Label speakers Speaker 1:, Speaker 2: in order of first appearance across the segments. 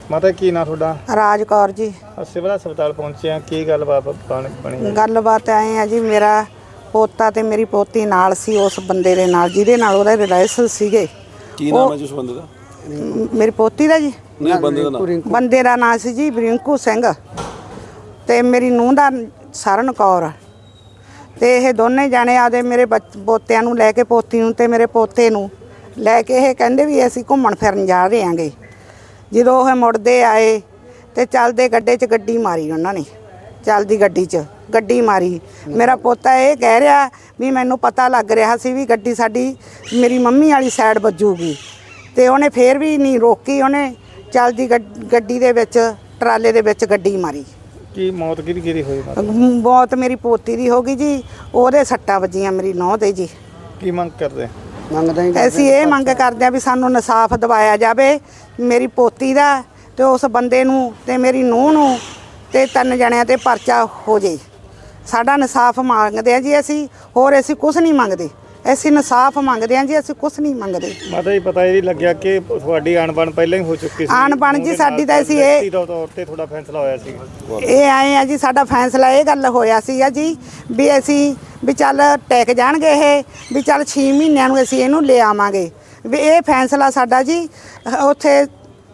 Speaker 1: ਮਾਤਾ ਕੀ ਨਾਂ ਤੁਹਾਡਾ?
Speaker 2: ਰਾਜ ਕੌਰ जी।
Speaker 1: ਸਿਵਲ ਹਸਪਤਾਲ ਪਹੁੰਚੇ ਆ, ਕੀ ਗੱਲਬਾਤ ਬਣੀ?
Speaker 2: ਗੱਲਬਾਤ ਐ ਆ ਜੀ, ਮੇਰਾ ਪੋਤਾ ਤੇ ਮੇਰੀ ਪੋਤੀ ਨਾਲ ਸੀ ਉਸ ਬੰਦੇ ਦੇ ਨਾਲ ਜਿਹਦੇ ਨਾਲ ਉਹਦੇ ਰਿਲੇਸ਼ਨ ਸੀਗੇ।
Speaker 3: ਕੀ ਨਾਮ ਹੈ ਜੀ ਉਸ ਬੰਦੇ ਦਾ?
Speaker 2: ਮੇਰੀ ਪੋਤੀ ਦਾ ਜੀ
Speaker 3: ਨਹੀਂ, ਬੰਦੇ ਦਾ ਨਾਮ?
Speaker 2: ਬੰਦੇ ਦਾ ਨਾਂ ਸੀ ਜੀ ਰਿੰਕੂ ਸਿੰਘ ਤੇ ਮੇਰੀ ਨੂੰਹ ਦਾ ਸਰਨ ਕੌਰ। ਤੇ ਇਹ ਦੋਨੇ ਜਾਣੇ ਆਦੇ ਮੇਰੇ ਪੋਤਿਆਂ ਨੂੰ ਲੈ ਕੇ, ਪੋਤੀ ਨੂੰ ਤੇ ਮੇਰੇ ਪੋਤੇ ਨੂੰ ਲੈ ਕੇ ਇਹ ਕਹਿੰਦੇ ਵੀ ਅਸੀਂ ਘੁੰਮਣ ਫਿਰਨ ਜਾ ਰਹੇ ਆਂਗੇ। ਜਦੋਂ ਉਹ ਮੁੜਦੇ ਆਏ ਤੇ ਚੱਲਦੇ ਗੱਡੇ 'ਚ ਗੱਡੀ ਮਾਰੀ ਉਹਨਾਂ ਨੇ, ਚੱਲਦੀ ਗੱਡੀ 'ਚ ਗੱਡੀ ਮਾਰੀ। ਮੇਰਾ ਪੋਤਾ ਇਹ ਕਹਿ ਰਿਹਾ ਵੀ ਮੈਨੂੰ ਪਤਾ ਲੱਗ ਰਿਹਾ ਸੀ ਵੀ ਗੱਡੀ ਸਾਡੀ ਮੇਰੀ ਮੰਮੀ ਵਾਲੀ ਸਾਈਡ ਵੱਜੂਗੀ, ਤੇ ਉਹਨੇ ਫੇਰ ਵੀ ਨਹੀਂ ਰੋਕੀ, ਉਹਨੇ ਚੱਲਦੀ ਗੱਡੀ ਦੇ ਵਿੱਚ ਟਰਾਲੇ ਦੇ ਵਿੱਚ ਗੱਡੀ ਮਾਰੀ।
Speaker 1: ਕੀ ਮੌਤ ਕਿਹਦੀ ਹੋਈ?
Speaker 2: ਮੌਤ ਮੇਰੀ ਪੋਤੀ ਦੀ ਹੋ ਗਈ ਜੀ, ਉਹਦੇ ਸੱਟਾਂ ਵੱਜੀਆਂ ਮੇਰੀ ਨੂੰਹ ਦੇ ਜੀ।
Speaker 1: ਕੀ ਮੰਗ ਕਰਦੇ?
Speaker 2: ਅਸੀਂ ਇਹ ਮੰਗ ਕਰਦੇ ਆ ਵੀ ਸਾਨੂੰ ਇਨਸਾਫ ਦਿਵਾਇਆ ਜਾਵੇ ਮੇਰੀ ਪੋਤੀ ਦਾ ਤੇ ਉਸ ਬੰਦੇ ਨੂੰ ਤੇ ਮੇਰੀ ਨੂੰਹ ਨੂੰ, ਤੇ 3 ਜਣਿਆਂ ਤੇ ਪਰਚਾ ਹੋ ਜੇ। ਸਾਡਾ ਇਨਸਾਫ ਮੰਗਦੇ ਆ ਜੀ ਅਸੀਂ, ਹੋਰ ਅਸੀਂ ਕੁਝ ਨਹੀਂ ਮੰਗਦੇ, ਅਸੀਂ ਇਨਸਾਫ ਮੰਗਦੇ ਆ ਜੀ, ਅਸੀਂ ਕੁਝ ਨਹੀਂ ਮੰਗਦੇ।
Speaker 1: ਮਾਤਾ ਜੀ ਪਤਾ ਇਹ ਲੱਗਿਆ ਕਿ ਤੁਹਾਡੀ ਅਣਬਣ ਪਹਿਲਾਂ ਹੀ ਹੋ ਚੁੱਕੀ ਸੀ?
Speaker 2: ਅਣਬਣ ਜੀ ਸਾਡੀ ਤਾਂ ਅਸੀਂ ਇਹ
Speaker 1: ਤੌਰ ਤੇ ਤੁਹਾਡਾ ਫੈਸਲਾ ਹੋਇਆ ਸੀ?
Speaker 2: ਇਹ ਆਏ ਆ ਜੀ, ਸਾਡਾ ਫੈਸਲਾ ਇਹ ਗੱਲ ਹੋਇਆ ਸੀਗਾ ਜੀ ਵੀ ਅਸੀਂ ਵੀ ਚੱਲ ਟੈਕ ਜਾਣਗੇ ਇਹ, ਵੀ ਚੱਲ 6 ਮਹੀਨਿਆਂ ਨੂੰ ਅਸੀਂ ਇਹਨੂੰ ਲੈ ਆਵਾਂਗੇ। ਵੀ ਇਹ ਫੈਸਲਾ ਸਾਡਾ ਜੀ ਉੱਥੇ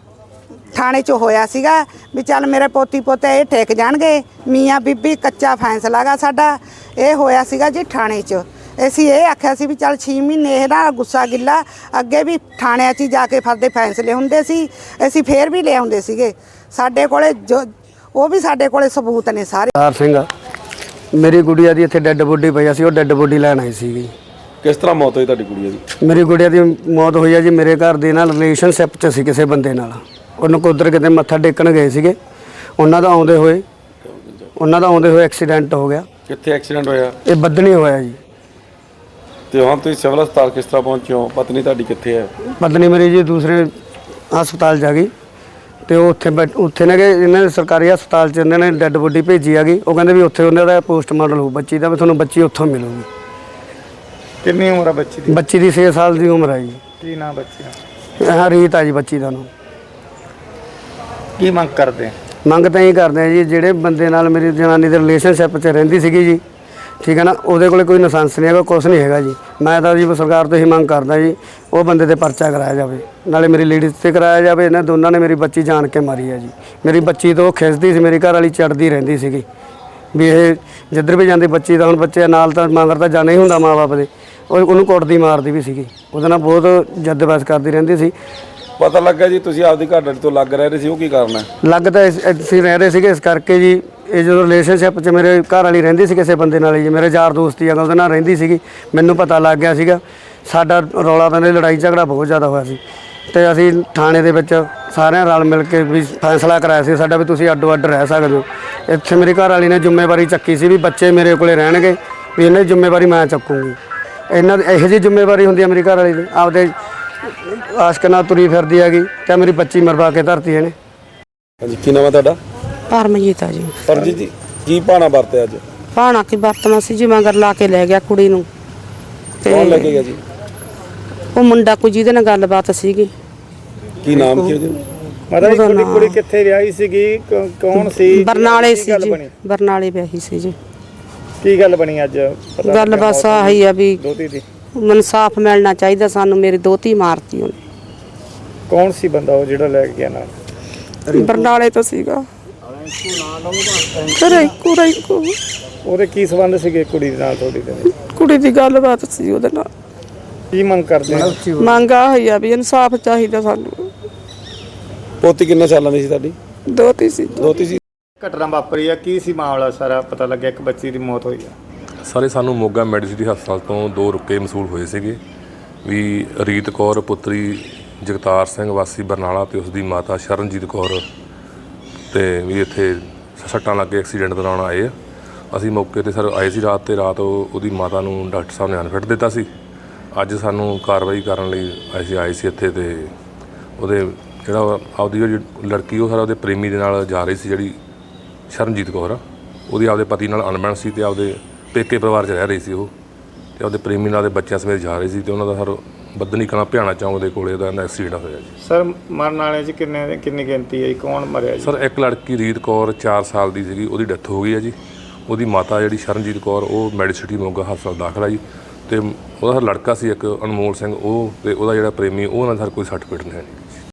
Speaker 2: ਥਾਣੇ 'ਚ ਹੋਇਆ ਸੀਗਾ ਵੀ ਚੱਲ ਮੇਰੇ ਪੋਤੀ ਪੋਤੇ ਇਹ ਟੈਕ ਜਾਣਗੇ, ਮੀਆਂ ਬੀਬੀ ਕੱਚਾ ਫੈਸਲਾ ਗਾ ਸਾਡਾ ਇਹ ਹੋਇਆ ਸੀਗਾ ਜੀ ਥਾਣੇ 'ਚ। ਅਸੀਂ ਇਹ ਆਖਿਆ ਸੀ ਵੀ ਚੱਲ 6 ਮਹੀਨੇ ਇਹਦਾ ਗੁੱਸਾ ਗਿੱਲਾ, ਅੱਗੇ ਵੀ ਥਾਣਿਆਂ 'ਚ ਜਾ ਕੇ ਫਰਦੇ ਫੈਸਲੇ ਹੁੰਦੇ ਸੀ, ਅਸੀਂ ਫੇਰ ਵੀ ਲੈ ਆਉਂਦੇ ਸੀਗੇ। ਸਾਡੇ ਕੋਲੇ ਜੋ ਉਹ ਵੀ ਸਾਡੇ ਕੋਲੇ ਸਬੂਤ ਨੇ ਸਾਰੇ।
Speaker 4: ਸਰਦਾਰ ਸਿੰਘ ਮੇਰੀ ਗੁੜੀਆ ਦੀ ਇੱਥੇ ਡੈੱਡ ਬੋਡੀ ਪਈ ਸੀ, ਉਹ ਡੈੱਡ ਬੋਡੀ ਲੈਣ ਆਈ ਸੀਗੀ।
Speaker 3: ਕਿਸ ਤਰ੍ਹਾਂ ਮੌਤ ਹੋਈ ਤੁਹਾਡੀ ਗੁੜੀਆ ਦੀ?
Speaker 4: ਮੇਰੀ ਗੁੜੀਆ ਦੀ ਮੌਤ ਹੋਈ ਆ ਜੀ ਮੇਰੇ ਘਰ ਦੇ ਨਾਲ ਰਿਲੇਸ਼ਨਸ਼ਿਪ 'ਚ ਸੀ ਕਿਸੇ ਬੰਦੇ ਨਾਲ। ਉਹਨੂੰ ਕੁਦਰ ਕਿਤੇ ਮੱਥਾ ਟੇਕਣ ਗਏ ਸੀਗੇ, ਉਹਨਾਂ ਦਾ ਆਉਂਦੇ ਹੋਏ ਐਕਸੀਡੈਂਟ ਹੋ ਗਿਆ।
Speaker 3: ਕਿੱਥੇ ਐਕਸੀਡੈਂਟ ਹੋਇਆ?
Speaker 4: ਇਹ ਬੱਦਣੀ ਹੋਇਆ ਜੀ।
Speaker 3: ਤੇ ਹੁਣ ਤੁਸੀਂ ਸਿਵਲ ਹਸਪਤਾਲ ਕਿਸ ਤਰ੍ਹਾਂ ਪਹੁੰਚੇ ਹੋ? ਪਤਨੀ ਤੁਹਾਡੀ ਕਿੱਥੇ ਹੈ?
Speaker 4: ਪਤਨੀ ਮੇਰੀ ਜੀ ਦੂਸਰੇ ਹਸਪਤਾਲ ਜਾ ਗਈ, ਤੇ ਉਹ ਉੱਥੇ ਨੇ ਕਿ ਇਹਨਾਂ ਨੇ ਸਰਕਾਰੀ ਹਸਪਤਾਲ 'ਚ ਇਹਨਾਂ ਨੇ ਡੈੱਡ ਬੋਡੀ ਭੇਜੀ ਆ ਗਈ। ਉਹ ਕਹਿੰਦੇ ਵੀ ਉੱਥੇ ਉਹਨਾਂ ਦਾ ਪੋਸਟਮਾਰਟਮ ਹੋਊ ਬੱਚੀ ਦਾ, ਵੀ ਤੁਹਾਨੂੰ ਬੱਚੀ ਉੱਥੋਂ ਮਿਲੂਗੀ।
Speaker 1: ਕਿੰਨੀ ਉਮਰ ਆ ਬੱਚੀ ਦੀ?
Speaker 4: ਬੱਚੀ ਦੀ 6 ਸਾਲ ਦੀ ਉਮਰ ਹੈ ਜੀ।
Speaker 1: ਕੀ ਨਾਮ ਬੱਚੀ ਦਾ?
Speaker 4: ਹਾਂ, ਰੀਤ ਆ ਜੀ ਬੱਚੀ ਦਾ ਨਾਮ।
Speaker 1: ਕੀ ਮੰਗ ਕਰਦੇ?
Speaker 4: ਮੰਗ ਤਾਂ ਇਹ ਕਰਦੇ ਆ ਜੀ, ਜਿਹੜੇ ਬੰਦੇ ਨਾਲ ਮੇਰੀ ਜਨਾਨੀ ਦੇ ਰਿਲੇਸ਼ਨਸ਼ਿਪ 'ਚ ਰਹਿੰਦੀ ਸੀਗੀ ਜੀ, ਠੀਕ ਹੈ ਨਾ, ਉਹਦੇ ਕੋਲੇ ਕੋਈ ਲਾਇਸੈਂਸ ਨਹੀਂ ਹੈਗਾ, ਕੁਛ ਨਹੀਂ ਹੈਗਾ ਜੀ। ਮੈਂ ਤਾਂ ਜੀ ਸਰਕਾਰ ਤੋਂ ਹੀ ਮੰਗ ਕਰਦਾ ਜੀ ਉਹ ਬੰਦੇ ਤੇ ਪਰਚਾ ਕਰਾਇਆ ਜਾਵੇ, ਨਾਲੇ ਮੇਰੀ ਲੇਡੀਜ਼ ਤੇ ਕਰਾਇਆ ਜਾਵੇ। ਇਹਨਾਂ ਦੋਨਾਂ ਨੇ ਮੇਰੀ ਬੱਚੀ ਜਾਣ ਕੇ ਮਾਰੀ ਹੈ ਜੀ। ਮੇਰੀ ਬੱਚੀ ਤੋਂ ਖਿੱਚਦੀ ਸੀ, ਮੇਰੀ ਘਰ ਵਾਲੀ ਚੜਦੀ ਰਹਿੰਦੀ ਸੀਗੀ ਵੀ ਇਹ ਜਿੱਧਰ ਵੀ ਜਾਂਦੀ ਬੱਚੀ ਦਾ, ਹੁਣ ਬੱਚੇ ਨਾਲ ਤਾਂ ਮਗਰ ਤਾਂ ਜਾਣਾ ਹੀ ਹੁੰਦਾ ਮਾਂ ਬਾਪ ਦੇ, ਉਹਨੂੰ ਕੁੱਟਦੀ ਮਾਰਦੀ ਵੀ ਸੀਗੀ, ਉਹਦੇ ਨਾਲ ਬਹੁਤ ਜੱਦਬਹਿਸ ਕਰਦੀ ਰਹਿੰਦੀ ਸੀ।
Speaker 3: ਪਤਾ ਲੱਗਾ ਜੀ ਤੁਸੀਂ ਆਪਦੀ ਘਰ ਤੋਂ ਲੱਗ ਰਹੇ ਸੀ, ਉਹ ਕੀ ਕਾਰਨ ਹੈ?
Speaker 4: ਲੱਗ ਤਾਂ ਅਸੀਂ ਰਹਿ ਰਹੇ ਸੀਗੇ ਇਸ ਕਰਕੇ ਜੀ। ਇਹ ਜਦੋਂ ਰਿਲੇਸ਼ਨਸ਼ਿਪ 'ਚ ਮੇਰੇ ਘਰ ਵਾਲੀ ਰਹਿੰਦੀ ਸੀ ਕਿਸੇ ਬੰਦੇ ਨਾਲ ਜੀ, ਮੇਰੇ ਯਾਰ ਦੋਸਤੀ ਆ ਉਹਦੇ ਨਾਲ ਰਹਿੰਦੀ ਸੀਗੀ, ਮੈਨੂੰ ਪਤਾ ਲੱਗ ਗਿਆ ਸੀਗਾ। ਸਾਡਾ ਰੌਲਾ ਪੈਂਦੇ ਲੜਾਈ ਝਗੜਾ ਬਹੁਤ ਜ਼ਿਆਦਾ ਹੋਇਆ ਸੀ, ਤੇ ਅਸੀਂ ਥਾਣੇ ਦੇ ਵਿੱਚ ਸਾਰਿਆਂ ਰਲ ਮਿਲ ਕੇ ਵੀ ਫੈਸਲਾ ਕਰਾਇਆ ਸੀ ਸਾਡਾ ਵੀ ਤੁਸੀਂ ਅੱਡੋ ਅੱਡ ਰਹਿ ਸਕਦੇ ਹੋ। ਇੱਥੇ ਮੇਰੀ ਘਰ ਵਾਲੀ ਨੇ ਜ਼ਿੰਮੇਵਾਰੀ ਚੱਕੀ ਸੀ ਵੀ ਬੱਚੇ ਮੇਰੇ ਕੋਲੇ ਰਹਿਣਗੇ, ਵੀ ਇਹਨਾਂ ਦੀ ਜ਼ਿੰਮੇਵਾਰੀ ਮੈਂ ਚੱਕੂੰਗੀ। ਇਹਨਾਂ ਦੀ ਇਹੋ ਜਿਹੀ ਜ਼ਿੰਮੇਵਾਰੀ ਹੁੰਦੀ ਹੈ ਮੇਰੀ ਘਰ ਵਾਲੀ ਦੀ, ਆਪਦੇ ਆਸ਼ਕ ਨਾਲ ਤੁਰੀ ਫਿਰਦੀ ਹੈਗੀ, ਤੇ ਮੇਰੀ ਬੱਚੀ ਮਰਵਾ ਕੇ ਧਰਤੀ ਇਹਨੇ।
Speaker 3: ਹਾਂਜੀ, ਕੀ ਨਾਮ ਹੈ ਤੁਹਾਡਾ?
Speaker 2: ਪਰਮਜੀਤ ਆ ਜੀ।
Speaker 3: ਪਰਮਜੀਤ ਜੀ, ਕੀ ਭਾਣਾ ਵਰਤਿਆ ਅੱਜ?
Speaker 2: ਭਾਣਾ ਕੀ ਵਰਤਣਾ ਸੀ ਜੀ, ਮਗਰ ਲਾ ਕੇ ਲੈ ਗਿਆ ਕੁੜੀ ਨੂੰ।
Speaker 3: ਕੌਣ ਲੈ ਕੇ ਗਿਆ ਜੀ?
Speaker 2: ਉਹ ਮੁੰਡਾ ਕੋਈ ਜਿਹਦੇ ਨਾਲ ਗੱਲਬਾਤ ਸੀਗੀ।
Speaker 3: ਕੀ ਨਾਮ ਕੀ ਉਹਦਾ?
Speaker 1: ਮਾਤਾ ਜੀ ਤੁਹਾਡੀ ਕੁੜੀ ਕਿੱਥੇ ਵਿਆਹੀ ਸੀਗੀ, ਕੌਣ ਸੀ?
Speaker 2: ਬਰਨਾਲੇ ਸੀ ਜੀ, ਬਰਨਾਲੇ ਵਿਆਹੀ ਸੀ ਜੀ।
Speaker 1: ਕੀ ਗੱਲ ਬਣੀ ਅੱਜ?
Speaker 2: ਗੱਲ ਬਸ ਆਹੀ ਆ ਵੀ
Speaker 1: ਦੋਤੀ ਦੀ
Speaker 2: ਇਨਸਾਫ ਮਿਲਣਾ ਚਾਹੀਦਾ ਸਾਨੂੰ, ਮੇਰੀ ਦੋਤੀ ਮਾਰਤੀ ਉਹਨੇ।
Speaker 1: ਕੌਣ ਸੀ ਬੰਦਾ ਉਹ ਜਿਹੜਾ ਲੈ ਕੇ ਗਿਆ ਨਾਲ?
Speaker 2: ਬਰਨਾਲੇ ਤੋਂ ਸੀਗਾ। ਰਿੰਕੂ
Speaker 1: ਉਹਦੇ ਕੀ ਸੰਬੰਧ ਸੀਗੇ ਕੁੜੀ ਦੇ ਨਾਲ ਤੁਹਾਡੀ ਦੇ?
Speaker 2: ਕੁੜੀ ਦੀ ਗੱਲਬਾਤ ਸੀ ਉਹਦੇ ਨਾਲ।
Speaker 1: ਕੀ ਮੰਗ ਕਰਦੇ ਆ?
Speaker 2: ਮੰਗ ਆਹੀ ਆ ਵੀ ਇਨਸਾਫ ਚਾਹੀਦਾ ਸਾਨੂੰ।
Speaker 3: ਪੋਤੀ ਕਿੰਨੇ ਸਾਲਾਂ ਦੀ ਸੀ ਤੁਹਾਡੀ?
Speaker 2: ਦੋਤੀ ਸੀ।
Speaker 3: ਦੋਤੀ ਸੀ।
Speaker 1: ਘਟਨਾ ਵਾਪਰੀ ਆ, ਕੀ ਸੀ ਮਾਮਲਾ ਸਾਰਾ? ਪਤਾ ਲੱਗਿਆ ਇੱਕ ਬੱਚੀ ਦੀ ਮੌਤ ਹੋਈ ਆ।
Speaker 5: ਸਾਰੇ ਸਾਨੂੰ ਮੋਗਾ ਮੈਡੀਸਿਟੀ ਹਸਪਤਾਲ ਤੋਂ 2 ਰੁਕੇ ਮਸੂਲ ਹੋਏ ਸੀਗੇ ਵੀ ਰੀਤ ਕੌਰ ਪੁੱਤਰੀ ਜਗਤਾਰ ਸਿੰਘ ਵਾਸੀ ਬਰਨਾਲਾ ਤੇ ਉਸ ਦੀ ਮਾਤਾ ਸ਼ਰਨਜੀਤ ਕੌਰ ਤੇ ਵੀ ਇੱਥੇ ਸੱਟਾਂ ਲੱਗ ਕੇ ਐਕਸੀਡੈਂਟ ਦੌਰਾਨ ਆਏ ਆ। ਅਸੀਂ ਮੌਕੇ ਤੇ ਸਰ ਆਏ ਸੀ ਰਾਤ, ਤੇ ਰਾਤ ਉਹਦੀ ਮਾਤਾ ਨੂੰ ਡਾਕਟਰ ਸਾਹਿਬ ਨੇ ਅਨਫਿਟ ਦਿੱਤਾ ਸੀ। ਅੱਜ ਸਾਨੂੰ ਕਾਰਵਾਈ ਕਰਨ ਲਈ ਅਸੀਂ ਆਏ ਸੀ ਇੱਥੇ, ਤੇ ਉਹਦੇ ਜਿਹੜਾ ਆਪਦੀ ਜਿਹੜੀ ਲੜਕੀ ਉਹ ਸਾਰਾ ਉਹਦੇ ਪ੍ਰੇਮੀ ਦੇ ਨਾਲ ਜਾ ਰਹੀ ਸੀ, ਜਿਹੜੀ ਸ਼ਰਨਜੀਤ ਕੌਰ ਆ, ਉਹਦੀ ਆਪਦੇ ਪਤੀ ਨਾਲ ਅਣਬਣ ਸੀ, ਤੇ ਆਪਦੇ ਪੇਕੇ ਪਰਿਵਾਰ 'ਚ ਰਹਿ ਰਹੀ ਸੀ ਉਹ, ਤੇ ਆਪਦੇ ਪ੍ਰੇਮੀ ਨਾਲ ਦੇ ਬੱਚਿਆਂ ਸਮੇਤ ਜਾ ਰਹੀ ਸੀ, ਤੇ ਉਹਨਾਂ ਦਾ ਸਰ ਬੱਦਨੀ ਕਲਾਂ ਭਿਆਣਾ ਚੌਂਕ ਦੇ ਕੋਲੇ ਦਾ ਐਕਸੀਡੈਂਟ ਹੋਇਆ ਜੀ।
Speaker 1: ਸਰ ਮਰਨ ਵਾਲਿਆਂ 'ਚ ਕਿੰਨੀ ਗਿਣਤੀ ਹੈ ਜੀ? ਕੌਣ ਮਰਿਆ ਜੀ?
Speaker 5: ਸਰ ਇੱਕ ਲੜਕੀ ਰੀਤ ਕੌਰ 4 ਸਾਲ ਦੀ ਸੀਗੀ, ਉਹਦੀ ਡੈਥ ਹੋ ਗਈ ਹੈ ਜੀ। ਉਹਦੀ ਮਾਤਾ ਜਿਹੜੀ ਸ਼ਰਨਜੀਤ ਕੌਰ ਉਹ ਮੈਡੀਸਿਟੀ ਮੋਗਾ ਹਸਪਤਾਲ ਦਾਖਲ ਹੈ ਜੀ। ਅਤੇ ਉਹਦਾ ਲੜਕਾ ਸੀ ਇੱਕ ਅਨਮੋਲ ਸਿੰਘ, ਉਹ ਅਤੇ ਉਹਦਾ ਜਿਹੜਾ ਪ੍ਰੇਮੀ, ਉਹਨਾਂ ਦਾ ਕੋਈ ਸੱਟ ਪਿੱਟ ਨਹੀਂ ਹੈ ਜੀ।